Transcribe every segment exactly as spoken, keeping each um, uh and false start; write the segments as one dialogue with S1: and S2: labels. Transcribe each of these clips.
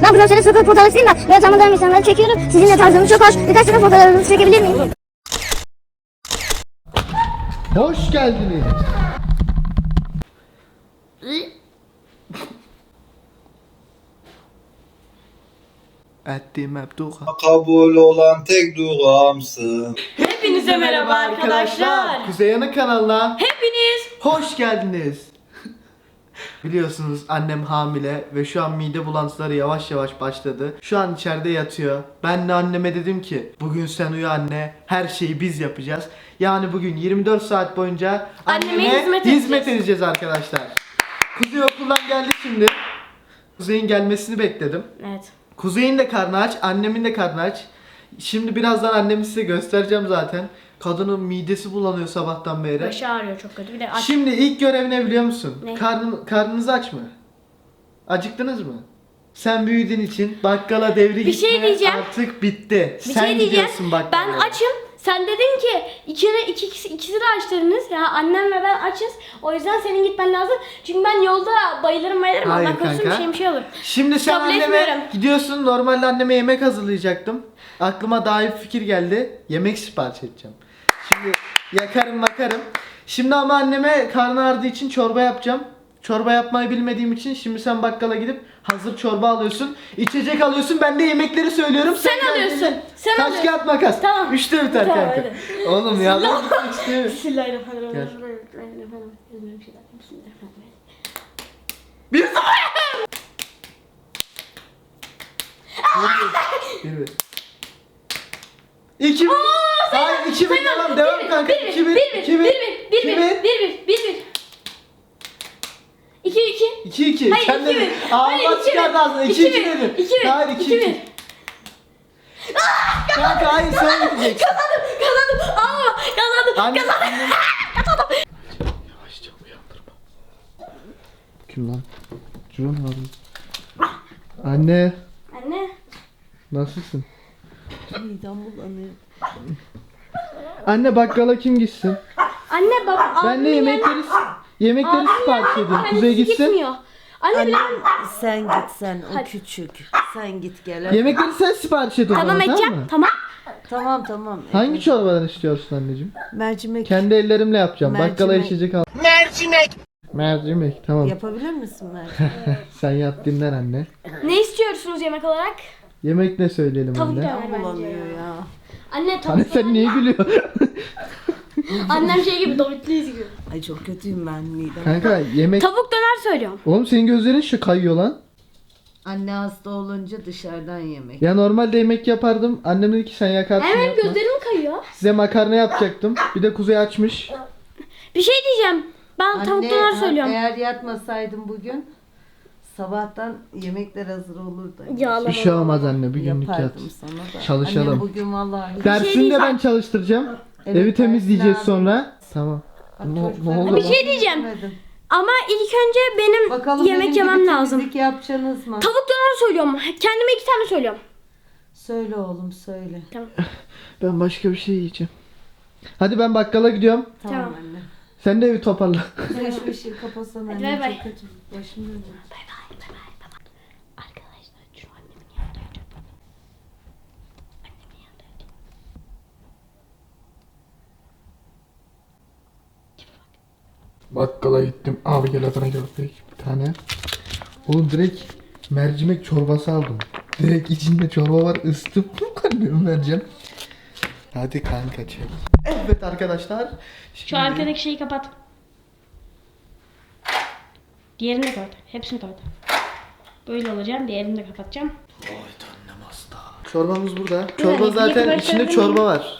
S1: Ben profesyonel sokak fotoğrafçıyım da böyle tanımadığım insanları çekiyorum. Sizinle tarzınız çok hoş. Birkaç tane fotoğrafınızı çekebilir miyim?
S2: Hoş geldiniz. Ettiğim hep dua.
S3: Kabul olan tek duamsın.
S4: Hepinize merhaba arkadaşlar.
S2: Kuzey Yanık kanalına
S4: Hepiniz
S2: hoş geldiniz. Biliyorsunuz annem hamile ve şu an mide bulantıları yavaş yavaş başladı. Şu an içeride yatıyor. Ben de anneme dedim ki bugün sen uyu anne, her şeyi biz yapacağız. Yani bugün yirmi dört saat boyunca
S4: Anneme
S2: anneme
S4: hizmet
S2: hizmet,
S4: edeceğiz.
S2: edeceğiz arkadaşlar. Kuzey okuldan geldi şimdi. Kuzey'in gelmesini bekledim.
S4: Evet.
S2: Kuzey'in de karnı aç, annemin de karnı aç. Şimdi birazdan annemi size göstereceğim zaten. Kadının midesi bulanıyor sabahtan beri.
S4: Başı ağrıyor çok kötü. Bir de aç.
S2: Şimdi ilk görev ne biliyor musun?
S4: Ne?
S2: Karnın, karnınız aç mı? Acıktınız mı? Sen büyüdüğün için bakkala devri
S4: Bir şey
S2: gitme
S4: diyeceğim.
S2: artık bitti.
S4: Bir
S2: Sen
S4: şey diyeceğim.
S2: gidiyorsun bakkala.
S4: Ben açım. Sen dedin ki ikini, iki, ikisi, ikisi de aç dediniz. Ya annem ve ben açız. O yüzden senin gitmen lazım. Çünkü ben yolda bayılırım bayılırım.
S2: Hayır
S4: Allah korusun bir
S2: kanka.
S4: şey bir şey olur.
S2: Şimdi sen
S4: Kabul
S2: anneme
S4: etmiyorum.
S2: gidiyorsun. Normalde anneme yemek hazırlayacaktım. Aklıma daha iyi bir fikir geldi. Yemek sipariş edeceğim. Şimdi yakarım makarım. Şimdi ama anneme karnı ağrıdığı için çorba yapacağım. Çorba yapmayı bilmediğim için şimdi sen bakkala gidip hazır çorba alıyorsun. İçecek alıyorsun. Ben de yemekleri söylüyorum.
S4: Sen
S2: geldiğinde
S4: alıyorsun, sen
S2: Taş
S4: alıyorsun.
S2: kağıt makas.
S4: Tamam.
S2: Üçte biter
S4: Tamam,
S2: kanka.
S4: hadi.
S2: Oğlum ya. ben gitmek istemiyorum.
S4: Bismillahirrahmanirrahim.
S2: Bir Bir bir. İki bir. Hayır iki bir devam devam kanka. İki bir. İki bir. İki bir.
S4: İki iki.
S2: İki iki.
S4: Hayır,
S2: Sen
S4: iki
S2: dedin.
S4: bir.
S2: Aa
S4: Hayır,
S2: bak
S4: iki
S2: çıkardı
S4: bir.
S2: ağzına. İki
S4: İki
S2: iki
S4: bir.
S2: dedin.
S4: İki bir.
S2: Hayır iki
S4: İki
S2: iki.
S4: bir.
S2: Kanka hayır sen gideceksin.
S4: Kazandım. Aa, kazandım.
S2: Anne.
S4: Kazandım.
S2: Yavaşça uyandırma. Kim lan? Cüron abi. Anne.
S4: Anne.
S2: Nasılsın?
S5: Midem bulanıyor.
S2: Anne bakkala kim gitsin?
S4: Anne baba.
S2: Ben de yemekleri yemekleri sipariş edeyim. Kuzey gitsin.
S4: Gitmiyor. Anne,
S5: Anne
S4: benim...
S5: sen git sen o
S4: Hadi.
S5: küçük. Sen git gel. hadi.
S2: Yemekleri sen sipariş et o
S4: Tamam
S2: zaman,
S4: edeceğim.
S2: mı?
S4: Tamam.
S5: Tamam tamam.
S2: Hangi
S5: Evet.
S2: çorbadan istiyorsun anneciğim?
S5: Mercimek
S2: Kendi ellerimle yapacağım.
S5: Mercimek.
S2: Bakkala içecek al. Mercimek. Mercimek tamam.
S5: yapabilir misin mercimek?
S2: Sen yat dinlen anne.
S4: Ne istiyorsunuz yemek olarak?
S2: Yemek ne söyleyelim
S4: Tavuk
S2: anne?
S4: döner bence.
S5: Bulanıyor ya.
S4: Anne
S2: Anne
S4: tavuk
S2: sen niye gülüyorsun?
S4: Annem şey gibi David'liyiz gibi.
S5: Ay çok kötüyüm ben midem.
S2: Kanka yemek...
S4: Tavuk döner söylüyorum.
S2: Oğlum senin gözlerin şu kayıyor lan.
S5: Anne hasta olunca dışarıdan yemek.
S2: Ya normalde yemek yapardım. Annem dedi ki sen yakarsın
S4: Hemen
S2: yapma.
S4: gözlerim kayıyor.
S2: Size makarna yapacaktım. Bir de Kuzey açmış.
S4: Bir şey diyeceğim. Ben
S5: Anne,
S4: tavuk döner
S5: ha-
S4: söylüyorum.
S5: Eğer yatmasaydım bugün sabahtan yemekler hazır olurdu.
S4: Yağlama.
S2: Bir şey olmaz anne bir günlük yat.
S5: Yapardım sana da.
S2: Çalışalım.
S5: Anne bugün vallahi hiç-
S2: Dersini de
S4: diyeceğim.
S2: ben çalıştıracağım.
S5: Evet,
S2: Evi temizleyeceğiz
S5: dersini
S2: sonra. Tamam.
S5: Bak,
S2: Ne,
S5: çocuklar-
S2: ne oldu
S4: Bir
S2: lan?
S4: şey diyeceğim.
S5: Yemedim.
S4: Ama ilk önce benim
S5: Bakalım
S4: yemek
S5: benim
S4: yemem
S5: gibi
S4: lazım.
S5: temizlik yapacaksınız mı?
S4: Tavuk döner söylüyorum. Kendime iki tane söylüyorum.
S5: Söyle oğlum söyle.
S4: Tamam.
S2: Ben başka bir şey yiyeceğim. Hadi ben bakkala gidiyorum.
S5: Tamam,
S4: Tamam.
S5: anne.
S2: Sen de evi toparla.
S5: Sen şu ışığı kapasana
S4: Hadi
S5: anne
S4: bay bay.
S5: çok kötü. Başım dönüyor.
S4: Bay bay bay bay bay bay. Arkadaşlar şu annemin yanında yatıyor. Annemin yanında yatıyor.
S2: Bakkala gittim. Abi gel Adana köftek bir tane. Oğlum direkt mercimek çorbası aldım. Direkt içinde çorba var. Isıtıp anneme vereceğim. Hadi kanka çek. Evet arkadaşlar.
S4: Şu
S2: Şimdi-
S4: arkadaki şeyi kapat. Diğerini de kapat. Hepsini kapat. Böyle olacağım. Diğerini de kapatacağım.
S2: Oy annem hasta. Çorbamız burada. Çorba
S4: Evet,
S2: zaten
S4: ilk
S2: içinde
S4: başta-
S2: çorba var.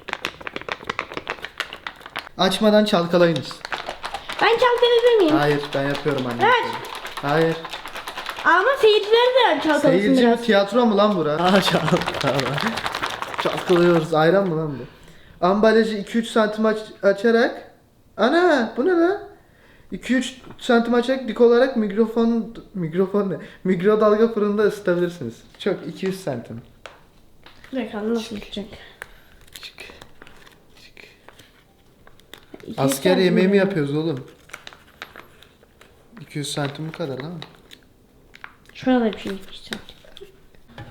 S2: Açmadan çalkalayınız.
S4: Ben çalkalayabilir miyim?
S2: Hayır ben yapıyorum anne.
S4: Evet.
S2: Hayır.
S4: Ama seyirciler de çalkalasın
S2: Seyirci mi
S4: biraz.
S2: tiyatro mu lan bura? Aa çalkala. Çalkalıyoruz. Ayran mı lan bu? Ambalajı iki üç santim aç açarak. Ana bu ne lan? iki üç santim açarak dik olarak mikrofon mikrofon ne? Mikrodalga fırında ısıtabilirsiniz. Çok iki yüz santim.
S4: Bakalım nasıl gidecek.
S2: Çık. Çık. Asker yemeği mi yapıyoruz oğlum? iki yüz santim bu kadar lan.
S4: Şurada bir şey yapacağım.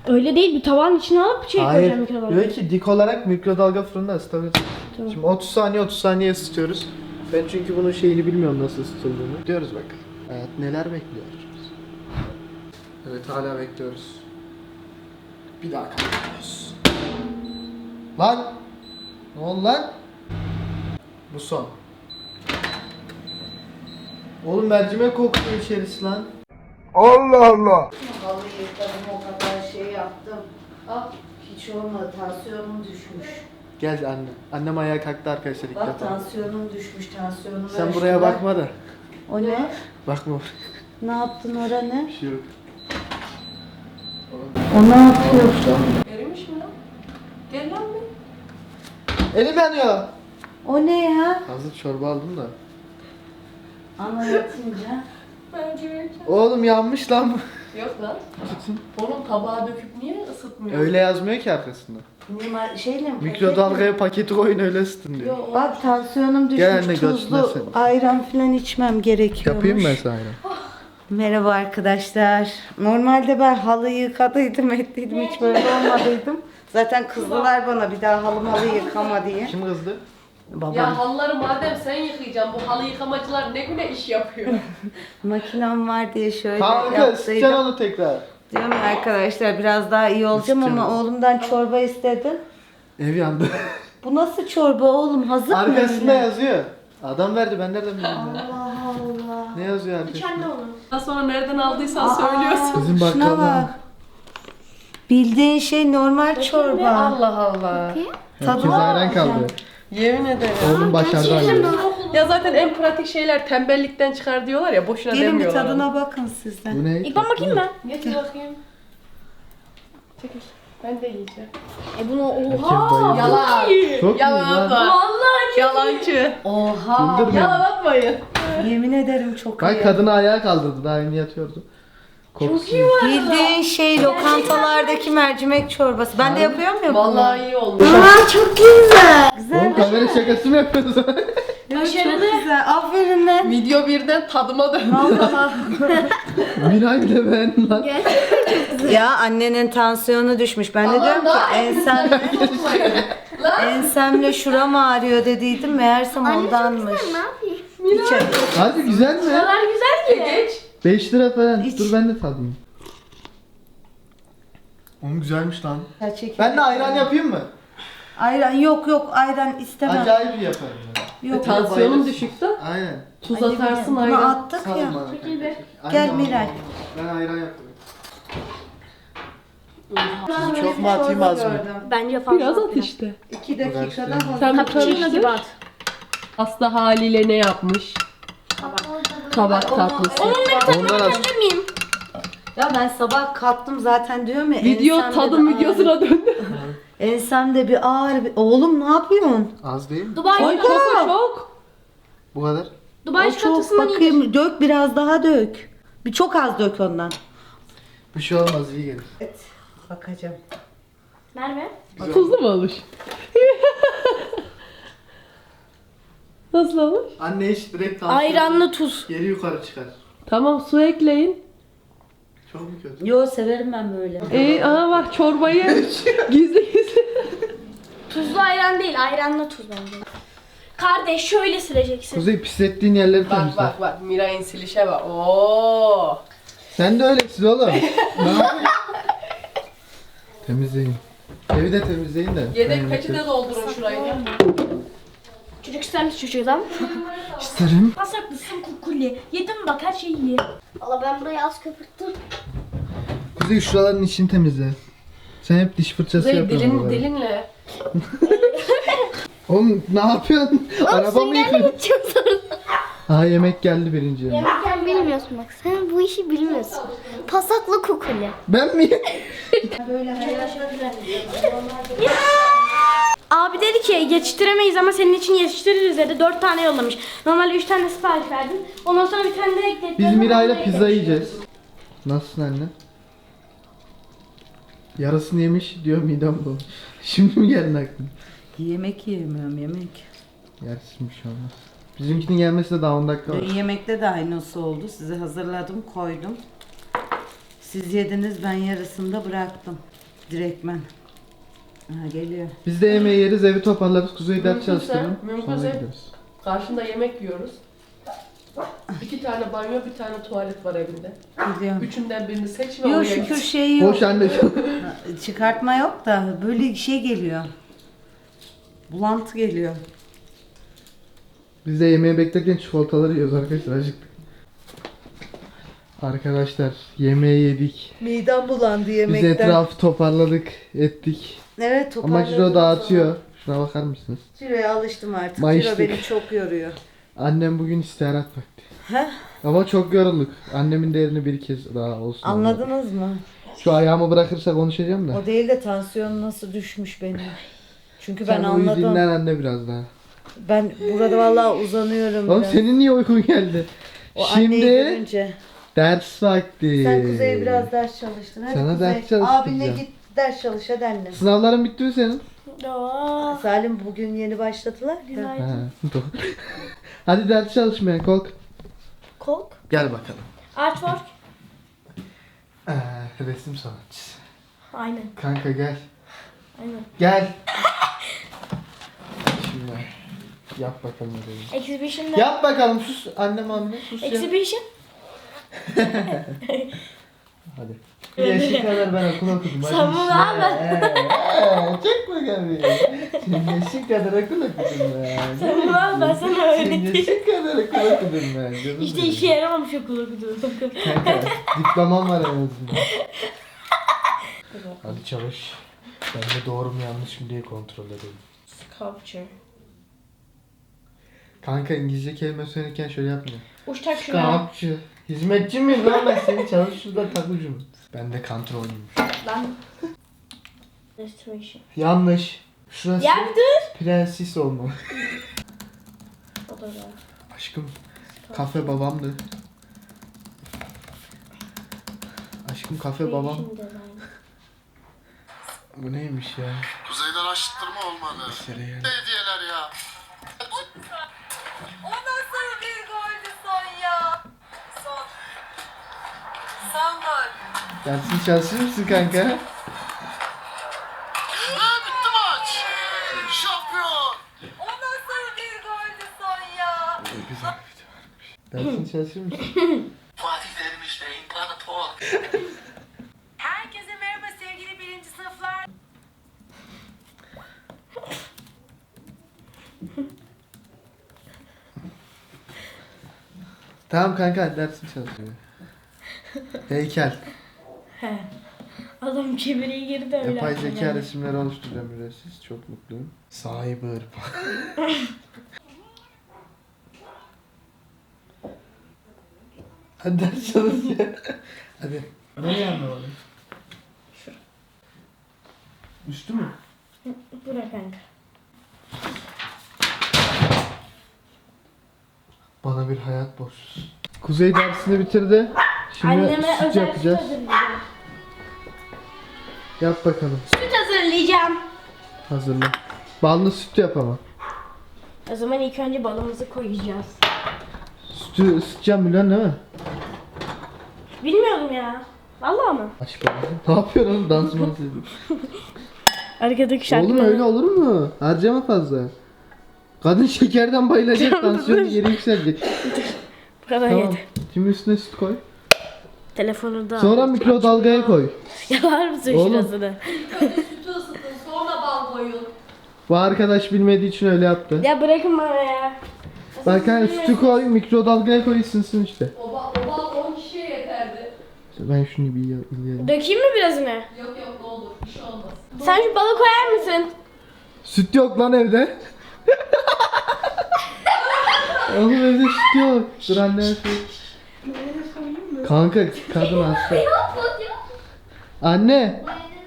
S4: Öyle değil, bir tabağın içine alıp şey
S2: Hayır.
S4: koyacağım mikrodalgaya.
S2: Diyor ki dik olarak mikrodalga fırında ısıtabilirsin.
S4: Tamam.
S2: Şimdi otuz saniye otuz saniye ısıtıyoruz. Ben çünkü bunun şeyini bilmiyorum nasıl ısıtıldığını. Diyoruz bak. Evet, neler bekliyoruz. Evet, hala bekliyoruz. Bir daha kaybediyoruz. Lan! Ne oldu lan? Bu son. Oğlum mercimek kokuyor içerisi lan.
S3: Allah Allah.
S5: Vallahi yıkadım, o kadar şey yaptım. Ah, hiç olmadı, tansiyonum düşmüş.
S2: Gel anne. Annem ayağa kalktı arkadaşlar ilk
S5: Bak
S2: defa.
S5: tansiyonum düşmüş, tansiyonumu
S2: Sen buraya
S5: ölçtüler.
S2: bakma da.
S5: O ne?
S2: Bakma.
S5: Ne yaptın oraya ne?
S2: Bir şey yok.
S5: O ne yapıyorsun?
S6: Erimiş mi lan? Gel lan bir.
S2: Elim yanıyor.
S5: O ne ya?
S2: Hazır çorba aldım da.
S5: Anlatınca.
S6: Bence vereceğim.
S2: Oğlum yanmış lan bu.
S6: Yok lan.
S2: Tutun.
S6: Oğlum tabağa döküp niye ısıtmıyor?
S2: Öyle yazmıyor ki arkasında.
S5: Mimar şeyle mi?
S2: Mikrodalgaya paketi koyun öyle ısıtın diyor.
S6: Yok.
S5: Bak tansiyonum düşmüş,
S2: Gel anne, götüne
S5: tuzlu
S2: sen.
S5: ayran falan içmem gerekiyormuş.
S2: Yapayım mı mesela?
S5: Merhaba arkadaşlar. Normalde ben halıyı yıkadıydım, ettiydim, hiç böyle olmadıydım. Zaten kızdılar bana bir daha halı malı yıkama diye.
S2: Kim kızdı?
S5: Babam.
S6: Ya halıları madem sen yıkayacaksın, bu halı yıkamacılar ne güne iş yapıyor?
S5: Makinem var diye şöyle
S2: Kanka ısıtacaksın
S5: yaptıydım.
S2: onu tekrar.
S5: Diyorum ya arkadaşlar biraz daha iyi olacağım ama
S2: Isıtacağım.
S5: oğlumdan çorba istedim.
S2: Ev yandı.
S5: Bu nasıl çorba oğlum? Hazır mı?
S2: Arkasında
S5: öyle?
S2: yazıyor. Adam verdi, ben nereden bileyim ya?
S5: Allah Allah.
S2: Ne yazıyor arkasında?
S4: Kendi onu.
S6: Daha sonra nereden aldıysan söylüyorsun.
S2: Bizim
S5: Şuna
S2: bakkaldan.
S5: bak. Bildiğin şey normal çorba.
S6: Allah Allah.
S2: Herkes
S5: Tadına
S2: ayran kaldı.
S5: bakacağım.
S6: Yemin ederim.
S2: Oğlum başardı anne.
S6: Ya zaten en pratik şeyler tembellikten çıkar diyorlar ya, boşuna
S5: Gelin bir
S6: demiyorlar.
S5: tadına bakın sizden.
S2: Bu ne?
S4: İlk ben bakayım ben.
S6: Getir bakayım. Çekil. Ben de yiyeceğim.
S4: E bunu
S2: Herkes
S4: oha.
S2: bayıldı.
S6: Yalan.
S2: Çok iyi
S6: Yalan
S2: lan.
S6: atma.
S4: Vallahi
S6: Yalancı.
S5: Oha.
S2: Güldürme.
S6: Yalan atmayın.
S5: Yemin ederim çok
S2: Bak
S5: iyi.
S2: kadını ayağa kaldırdı, daha yeni yatıyordu. Kokusu.
S5: Bildiğin şey lokantalardaki mercimek çorbası. Ben de yapıyorum ya bunu.
S6: Vallahi iyi olmuş.
S4: Aa çok güzel.
S2: Oğlum kamera şakası mı yapıyorsun?
S5: Evet, çok güzel. Aferin lan.
S6: Video birden tadıma döndü.
S2: Miray bile beğendi lan.
S5: Ya annenin tansiyonu düşmüş. Ben de diyorum ki ensem, ensemle şuram ağrıyor dediydim. Meğersem ondanmış.
S1: Ne yapayım?
S5: Hiç öyle.
S2: Hadi güzel mi?
S4: kadar güzel ki.
S6: Geç.
S2: beş lira falan.
S5: İç.
S2: Dur ben de tadayım. Oğlum güzelmiş lan.
S5: Ya çekil.
S2: Ben de ayran yapayım mı?
S5: Ayran yok yok ayran istemem.
S2: Acayip yaparım ben.
S5: Yok.
S6: Tansiyonum düşüktü.
S2: Aynen.
S6: Tuz
S5: Hadi
S6: atarsın
S5: bunu
S6: ayran.
S5: attık
S2: Sağ ol
S5: ya.
S2: bana.
S4: Çekil be.
S2: Aynen
S5: Gel
S2: oldu.
S5: Miray.
S2: Ben ayran yaptım.
S5: Ben
S2: Çok
S5: böyle
S2: mu atayım,
S5: çorba
S2: az mı?
S5: gördüm.
S4: Bence fazla.
S6: Biraz at işte.
S5: İki dakikada
S2: Uğraştım.
S5: hazır.
S6: Sen bir
S4: Cappuccino
S6: karıştır.
S4: gibi at.
S6: Hasta haliyle ne yapmış? Kabak tatlısı.
S2: Ondan az.
S4: miyim?
S5: Ya ben sabah kalktım zaten diyorum ya.
S6: Video
S5: ensemde
S6: tadım
S5: bir ağrı-
S6: videosuna döndü.
S5: Ensemde bir ağrı. bir- Oğlum ne yapıyorsun?
S2: Az değil mi?
S4: Dubai
S6: Ay çok çok.
S2: Bu kadar.
S4: Dubai
S5: O çok
S4: çikolatasından iyidir.
S5: bakayım dök biraz daha dök. Bir çok az dök ondan.
S2: Bir şey olmaz, iyi gelir.
S5: Evet. Bakacağım.
S4: Merve.
S6: Tuzlu mu olmuş? Nasıl olmuş?
S2: Anne hiç direkt tansiyon.
S4: Ayranlı tuz.
S2: Geri yukarı çıkar.
S6: Tamam, su ekleyin.
S2: Çok mu kötü?
S5: Yo severim ben böyle.
S6: Ee, aha bak çorbayı gizli gizli.
S4: Tuzlu ayran değil, ayranlı tuz bence. Kardeş şöyle sileceksin.
S2: Kuzey, pislettiğin yerleri
S6: Bak
S2: temizle.
S6: bak bak, Miray'ın silişe bak. Oo.
S2: Sen de öylesin oğlum. Ne yapıyorsun? Temizleyin. Evi de temizleyin de.
S6: Yedek
S2: Ben
S6: peti de
S2: yemek
S6: doldurun şurayı.
S4: Çocuk ister misin çocuğum?
S2: isterim.
S4: Pasaklısın kukuli. Yedim bak her şeyi ye.
S1: Valla ben burayı az köpürttüm.
S2: Kuzey şuraların içini temizle. Sen hep diş fırçası
S6: Kuzey
S2: yapıyorsun.
S6: dilin,
S2: buralara.
S6: dilinle.
S2: Oğlum ne yapıyorsun? Araba mı yıkıyorsun?
S1: Gideceğim sonra.
S2: Ha, yemek geldi birinci.
S1: Yemekken bilmiyorsun bak. Sen bu işi bilmiyorsun. Pasaklı kukuli.
S2: Ben mi?
S4: Abi dedi ki yetiştiremeyiz ama senin için yetiştiririz dedi. Dört tane yollamış. Normalde üç tane sipariş verdim. Ondan sonra bir tane de ekledim.
S2: Biz Miray'la pizza yiyeceğiz. Nasılsın anne? Yarısını yemiş diyor, midem bu. Şimdi mi geldin aklına?
S5: Yemek yemiyorum yemek.
S2: Yersin bir şey olmaz. Bizimkinin gelmesi de daha on dakika var.
S5: Yemekte de aynısı oldu. Size hazırladım koydum. Siz yediniz, ben yarısını da bıraktım. Direktmen. Ha, geliyor.
S2: Biz de yemeği yeriz, evi toparlarız, Kuzey'i ders
S6: Mümkünse-
S2: çalıştırırım.
S6: mümkünse-
S2: Sonra gideriz.
S6: Karşında yemek yiyoruz. İki tane banyo, bir tane tuvalet var evinde.
S5: Biliyorum.
S6: Üçünden birini seç ve
S5: Yok
S6: oraya
S5: şükür
S6: git.
S5: şey yok.
S2: Boş anne.
S5: Çıkartma yok da böyle şey geliyor. Bulantı geliyor.
S2: Biz de yemeği beklerken çikolataları yiyoruz arkadaşlar, acıktık. Arkadaşlar yemeği yedik.
S5: Midem bulandı
S2: Biz
S5: yemekten.
S2: etrafı toparladık, ettik.
S5: Evet,
S2: Ama
S5: toparladım.
S2: Ciro dağıtıyor. Şuna bakar mısınız?
S5: Ciro'ya alıştım artık.
S2: Mayıştık.
S5: Ciro beni çok yoruyor.
S2: Annem bugün istirahat vakti.
S5: Heh,
S2: Ama çok yorulduk. Annemin değerini bir kez daha olsun.
S5: anladınız mı?
S2: Şu ayağımı bırakırsa konuşacağım da.
S5: O değil de tansiyonum nasıl düşmüş benim. Çünkü ben
S2: Sen uyu,
S5: anladım.
S2: dinlen anne biraz daha.
S5: Ben burada vallahi uzanıyorum
S2: Oğlum
S5: biraz.
S2: senin niye uykun geldi?
S5: O anneyi
S2: Şimdi
S5: görünce.
S2: ders vakti.
S5: Sen Kuzey'e biraz ders çalıştın. Hadi
S2: Sana
S5: Kuzey.
S2: ders çalıştıracağım.
S5: Abinle git ders çalış hadi annem.
S2: Sınavların bitti mi senin?
S4: Aa,
S5: Salim bugün yeni başladılar.
S4: günaydın.
S2: Ha, doğru. Hadi ders çalışmaya kalk.
S4: Kolk.
S2: Gel bakalım.
S4: Artwork.
S2: Ee, resim sanatçısı.
S4: Aynen.
S2: Kanka gel.
S4: Aynen.
S2: Gel. Şimdi yap bakalım ödevi.
S4: Exhibition'da.
S2: Yap bakalım sus annem anne sus ya.
S4: Exhibition.
S2: Hadi. Bir yaşın kadar ben okul okudum. Hadi
S4: Sen bunu
S2: işte.
S4: al ben.
S2: Ee, Çek bakalım. Senin yaşın kadar okul okudum ben.
S4: Sen bunu al, ben sana
S2: Senin
S4: öğreteyim.
S2: yaşın kadar okul okudum ben. Canım
S4: İşte
S2: benim.
S4: işe yaramamış okul okuduğum.
S2: Kanka diplomam var en azından. Hadi çalış. Ben de doğru mu yanlış mı diye kontrol edeyim.
S4: Sculpture.
S2: Kanka İngilizce kelime söylerken şöyle yapmıyor.
S4: Uçtak şuna.
S2: Kapçı. Hizmetçi miyim lan ben seni çalış şurada takucu mu? Ben de kontrolüyüm.
S4: Lan. Restoration.
S2: Yanlış. Şurası
S4: Ya bir dur.
S2: prenses olmalı.
S4: O da var.
S2: Aşkım kafe babamdı. Aşkım kafe babam.
S4: Creation design.
S2: Bu neymiş ya?
S3: Kuzeyden aşıttırma olmalı.
S2: Mesele yani.
S3: Ne hediyeler ya?
S5: O nasıl bir goldü son ya? Son. Son gol.
S2: Dersini çalışır mısın kanka?
S3: Ha bitti maç. Şampiyon.
S5: O nasıl bir goldü son ya?
S2: Güzel bir video varmış. Dersini çalışır mısın?
S3: Fatih Terim işte imparator.
S5: Herkese merhaba sevgili birinci sınıflar.
S2: Tamam kanka hadi dersini çalışıyor. Heykel.
S4: He. Adam kibiriye girdi öyle.
S2: Yapay
S4: aklıma
S2: zeka
S4: geldi.
S2: resimleri oluşturacağım ücretsiz. Çok mutluyum. Cyber. Hadi ders çalış ya. Hadi. Nereye anlamadın? Üstü mü?
S4: Bırak kanka.
S2: Bana bir hayat borçlusun. Kuzey dersini bitirdi. Şimdi
S4: Anneme
S2: süt
S4: özel süt
S2: yapacağız.
S4: hazırlayacağım.
S2: Yap bakalım.
S4: Süt hazırlayacağım.
S2: Hazırla. Ballı süt yap ama.
S4: O zaman ilk önce balımızı koyacağız.
S2: Sütü ısıtacağım biliyorsun değil mi?
S4: Bilmiyorum ya. Vallahi mı?
S2: Aç bakalım. Ne yapıyorsun oğlum? Dans mı ediyorsun?
S4: Arkadaki şarkı.
S2: Oğlum öyle olur mu? Harcama fazla. Kadın şekerden bayılacak, tansiyonu geri yükselecek.
S4: Bu kadar
S2: Tamam.
S4: yedi.
S2: Şimdi üstüne süt koy.
S4: Telefonu da.
S2: Sonra mikrodalgaya koy.
S4: Yalar mısın
S2: Oğlum.
S4: şurasını?
S6: Sütü ısıtın, sonra bal koyun.
S2: Bu arkadaş bilmediği için öyle yaptı.
S4: Ya bırakın bana ya.
S2: Bak hani sütü koy, mikrodalgaya koy ısınsın işte.
S6: O bal, o bal on kişiye yeterdi.
S2: Ben şunu bir yiyelim.
S4: Dökeyim mi birazını?
S6: Yok yok ne olur, bir şey olmaz.
S4: Sen şu balı koyar mısın?
S2: Süt yok lan evde. Oğlum evde süt yok. Dur anne süt. Kanka kadın hasta. Anne.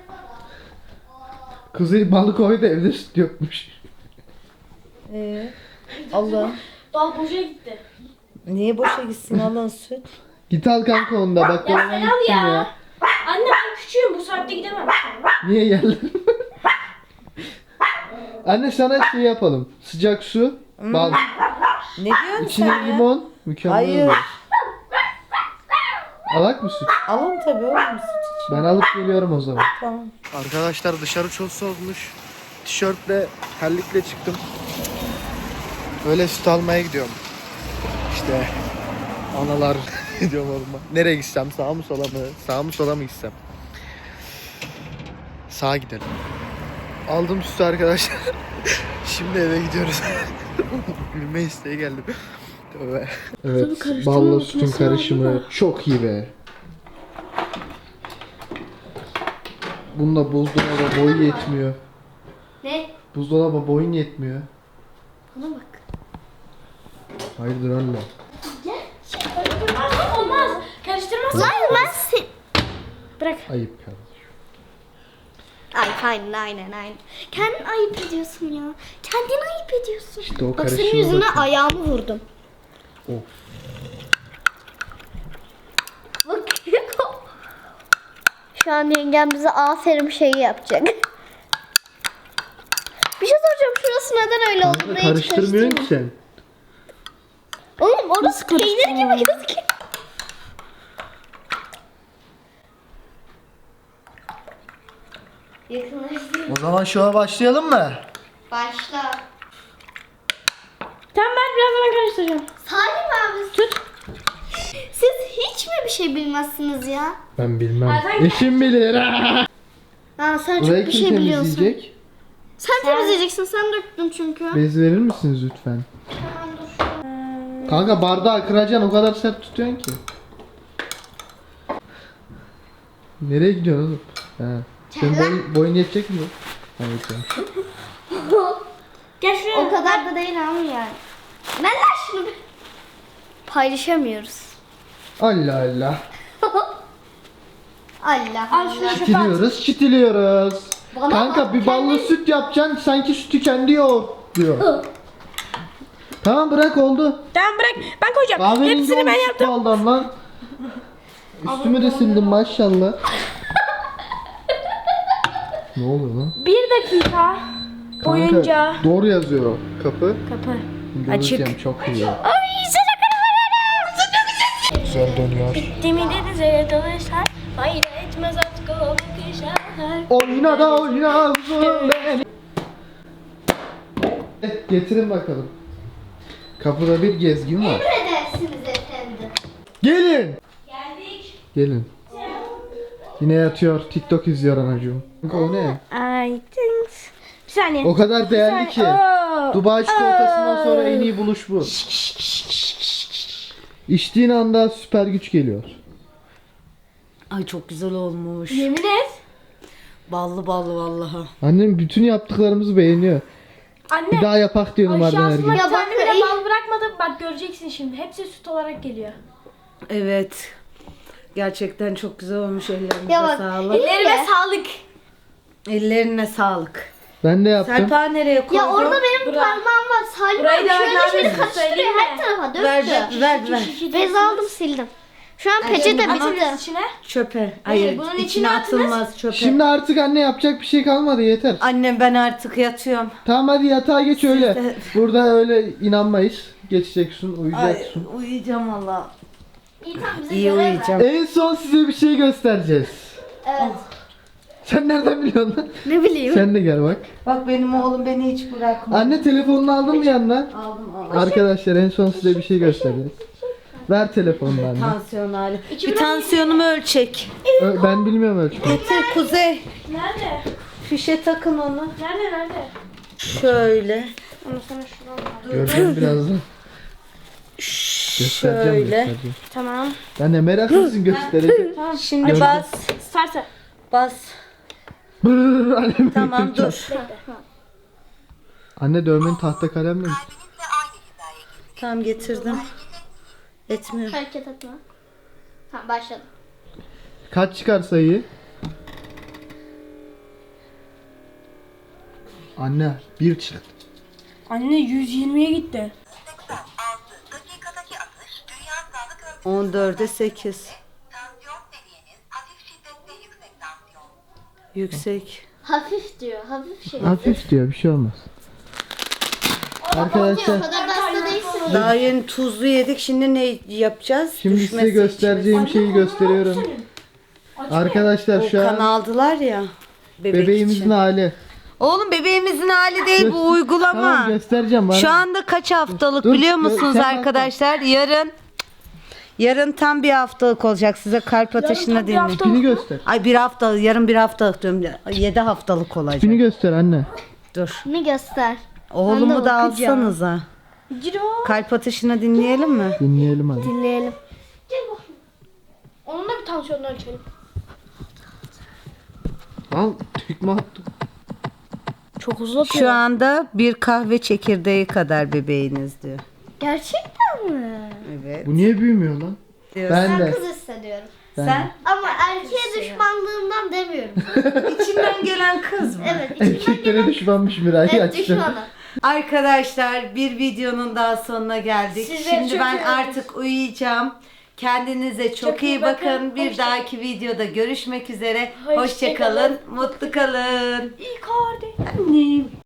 S2: Kuzey balık koydu evde süt yokmuş.
S5: Ee, Allah.
S4: Bal boşa gitti.
S5: Niye boşa gitsin alın süt?
S2: Git al kanka onu da bak.
S4: Ya
S2: dolaba
S4: sen
S2: gittim
S4: al ya. Anne ben küçüğüm, bu saatte gidemem.
S2: Niye geldin? Anne sana şey yapalım. Sıcak su, bal,
S5: Ne diyorsun
S2: içine
S5: sen ya?
S2: limon, mükemmel
S5: Hayır.
S2: olur. Alak mı süt?
S5: Alın tabii oğlum süt için.
S2: Ben alıp geliyorum o zaman.
S5: Tamam.
S2: Arkadaşlar dışarı çok soğukmuş. Tişörtle, terlikle çıktım. Öyle süt almaya gidiyorum. İşte analar gidiyorum orman. Nereye gitsem? Sağa mı sola mı? Sağa mı sola mı gitsem? Sağa gidelim. Aldım sütü arkadaşlar. Şimdi eve gidiyoruz. Gülme isteği geldi. Tövbe. Evet, balla sütün karışımı çok iyi be. Bunda buzdolabı boyu yetmiyor.
S4: Ne?
S2: Buzdolabı boyun yetmiyor.
S4: Bana bak.
S2: Hayırdır anne?
S4: Karıştırmaz olmaz. Karıştırmaz.
S1: Lan ben si-
S4: Bırak.
S2: Ayıp kardeşim.
S1: Ay aynen aynen aynen. Kendin ayıp ediyorsun ya. Kendin ayıp ediyorsun.
S2: İşte o
S1: Bak senin
S2: karışıma
S1: yüzüne
S2: bakın.
S1: ayağımı vurdum.
S2: Of.
S1: Bak. Şu an yengem bize aferin şeyi yapacak. Bir şey soracağım. Şurası neden öyle oldu?
S2: Kanka
S1: Burayı hiç
S2: karıştırmıyorsun ki
S1: karıştırma.
S2: sen.
S1: Oğlum orası peynir gibi gözüküyor. Yakınlaştır.
S2: O zaman şova başlayalım mı?
S1: Başla.
S4: Tamam ben birazdan karıştıracağım.
S1: Salim abi.
S4: Tut.
S1: Siz hiç mi bir şey bilmezsiniz ya?
S2: Ben bilmem.
S4: Zaten-
S2: Eşim bilir.
S1: Ha sen
S2: Burayı
S1: çok bir
S2: kim
S1: şey biliyorsun.
S2: temizleyecek?
S1: Sen temizleyeceksin. Sen döktün çünkü.
S2: Bez verir misiniz lütfen? Kanka bardağı kıracaksın, o kadar sert tutuyorsun ki. Nereye gidiyorsun oğlum? Ha. Senin boyun, boyun yetecek mi? Evet.
S4: Gel şuraya.
S1: O kadar da değil ama yani. Ne lan şunu? Paylaşamıyoruz.
S2: Allah Allah.
S1: Allah
S4: Al şunu
S1: Allah.
S4: çöpe at.
S2: Çitiliyoruz, çitiliyoruz.
S1: Bana
S2: Kanka
S1: bak,
S2: bir ballı
S1: kendi-
S2: süt yapacaksın, sanki sütü kendi yoğur diyor. Tamam bırak oldu.
S4: Tamam bırak. Ben koyacağım.
S2: Kahverengi
S4: Hepsini ben
S2: olmuş
S4: yaptım.
S2: baldan lan. Üstümü de sildim maşallah. Ne oluyor lan?
S4: Bir dakika boyunca.
S2: Kanka, doğru yazıyor kapı.
S4: Kapı.
S2: Göreceğim,
S4: Açık.
S2: çok iyi.
S4: Ay sana kadar.
S2: Güzel dönüyor.
S4: Demi denize dalışlar. Fayda etmez artık o bakışlar.
S2: Oyna da oyna uzun beni. Eh, Getirin bakalım. Kapıda bir gezgin var.
S1: Emredersiniz efendim.
S2: Gelin.
S4: Geldik.
S2: Gelin. Yine yatıyor, TikTok izliyor anacığım. Kanka o ne?
S4: I think. Bir saniye.
S2: O kadar değerli ki.
S4: Oo.
S2: Dubai çikolatasından sonra en iyi buluş bu. İçtiğin anda süper güç geliyor.
S5: Ay çok güzel olmuş.
S4: Yemin et.
S5: Ballı ballı vallahi.
S2: Annem bütün yaptıklarımızı beğeniyor.
S4: Anne.
S2: Bir daha yapak diyorum
S4: Ay
S2: Arden her
S4: şansıma
S2: gün.
S4: bir
S1: Ya
S4: tane
S1: bak,
S4: bile
S1: iyi.
S4: bal bırakmadım. Bak göreceksin şimdi. Hepsi süt olarak geliyor.
S5: Evet. Gerçekten çok güzel olmuş, ellerinize
S1: Ya bak,
S5: sağlık.
S4: Ellerime
S1: Ya.
S4: sağlık.
S5: Ellerine sağlık.
S2: Ben de yaptım.
S5: Serpa nereye koydun?
S1: Ya orada benim
S4: Bura-
S1: parmağım var. Salim
S4: Burayı
S1: abi
S4: da
S1: şöyle
S4: ver,
S1: şöyle
S4: ver,
S1: karıştırıyor
S4: söyleyeyim
S1: her
S4: mi?
S1: tarafa döktü.
S5: Ver ver ver. ver.
S1: Bez aldım sildim. Şu an peçete
S4: Atınız
S1: bitti.
S4: içine.
S5: Çöpe. Hayır,
S4: bunun
S5: içine
S4: içine atınız.
S5: atılmaz çöpe.
S2: Şimdi artık anne yapacak bir şey kalmadı, yeter.
S5: Annem ben artık yatıyorum.
S2: Tamam hadi yatağa geç öyle.
S5: de-
S2: Burada öyle inanmayız. Geçeceksin,
S5: Ay,
S2: uyuyacaksın.
S5: uyuyacağım valla.
S1: İyi tamam bize
S5: İyi
S1: görev ver.
S5: uyuyacağım.
S2: En son size bir şey göstereceğiz.
S1: Evet.
S2: Sen nereden biliyorsun lan?
S1: Ne bileyim.
S2: Sen de gel bak.
S5: Bak benim oğlum beni hiç bırakmıyor.
S2: Anne telefonunu aldın mı yanına?
S5: Aldım aldım.
S2: Arkadaşlar en son size bir şey göstereceğiz. Ver telefonunu anne.
S5: Tansiyon hali. Bir tansiyonumu ölçek.
S2: Ö- Ben bilmiyorum ölçmeyi.
S5: Getir Kuzey.
S4: Nerede?
S5: Fişe takın onu.
S4: Nerede nerede?
S5: Şöyle.
S4: Onu sana şuradan ver.
S2: Göreceğim birazdan. Göstereceğim,
S5: Şöyle.
S2: göstereceğim.
S4: Tamam.
S2: Ben de meraklısın göstereceğim.
S5: Şimdi
S2: Gördüm.
S5: bas.
S4: Sarsa.
S5: Bas.
S2: Brrr, annem
S5: Tamam
S2: büyüteceğim.
S5: dur.
S2: Anne dövmeni tahta kalemle mi?
S5: Tamam getirdim. Etmiyor.
S1: Hareket etme. Tamam başladım.
S2: Kaç çıkar sayıyı? Anne bir çıktı.
S4: Anne yüz yirmiye gitti.
S7: dakikadaki atış Dünya Sağlık
S5: on dörde sekiz.
S7: Tansiyon seviyeniz hafif şiddette yüksek tansiyon.
S5: Yüksek.
S1: Hafif diyor. Hafif şey.
S2: Hafif diyor, bir şey olmaz. Arkadaşlar
S1: O kadar da hasta değilsin.
S5: Daha yeni tuzlu yedik. Şimdi ne yapacağız?
S2: şimdi size
S5: Düşmesi
S2: göstereceğim şeyi gösteriyorum. Arkadaşlar
S5: için.
S2: şu
S5: O kan
S2: an
S5: aldılar ya. Bebek
S2: bebeğimizin
S5: için.
S2: hali.
S5: Oğlum bebeğimizin hali değil bu uygulama.
S2: Tamam göstereceğim bana.
S5: Şu anda kaç haftalık
S2: Dur,
S5: biliyor
S2: dur,
S5: musunuz
S2: sen bak.
S5: arkadaşlar? Yarın yarın tam bir haftalık olacak. Size kalp atışını dinleyin.
S2: Tipini göster.
S5: Ay bir haftalık, yarın bir haftalık diyorum. Yedi haftalık olacak.
S2: Tipini göster anne.
S5: Dur.
S1: Ne göster.
S5: Oğlumu da alsanıza.
S4: Ciro.
S5: Kalp atışını dinleyelim mi?
S2: Dinleyelim hadi.
S1: Dinleyelim.
S4: Onun da bir tansiyonunu ölçelim.
S2: Al tekme attım.
S1: Çok uzun.
S5: Şu anda bir kahve çekirdeği kadar bebeğiniz diyor.
S1: Gerçekten mi?
S5: Evet.
S2: Bu niye büyümüyor lan?
S5: Diyor.
S2: Ben de.
S1: Kız hissediyorum.
S5: Sen
S1: Ama erkeğe düşmanlığımdan demiyorum.
S5: içinden gelen kız mı?
S1: Evet.
S2: Erkeklere düşmanmış Miray.
S1: Evet
S2: açtı.
S1: düşmanım.
S5: Arkadaşlar bir videonun daha sonuna geldik.
S4: Size
S5: Şimdi
S4: çok
S5: ben
S4: iyi
S5: artık uyuyacağım. Kendinize çok,
S4: Çok
S5: iyi
S4: iyi
S5: bakın.
S4: bakın.
S5: Bir
S4: Hoşça-
S5: dahaki videoda görüşmek üzere.
S4: Hoşça
S5: Hoşça kalın. Mutlu kalın.
S4: İyi kardeş.
S5: Annem.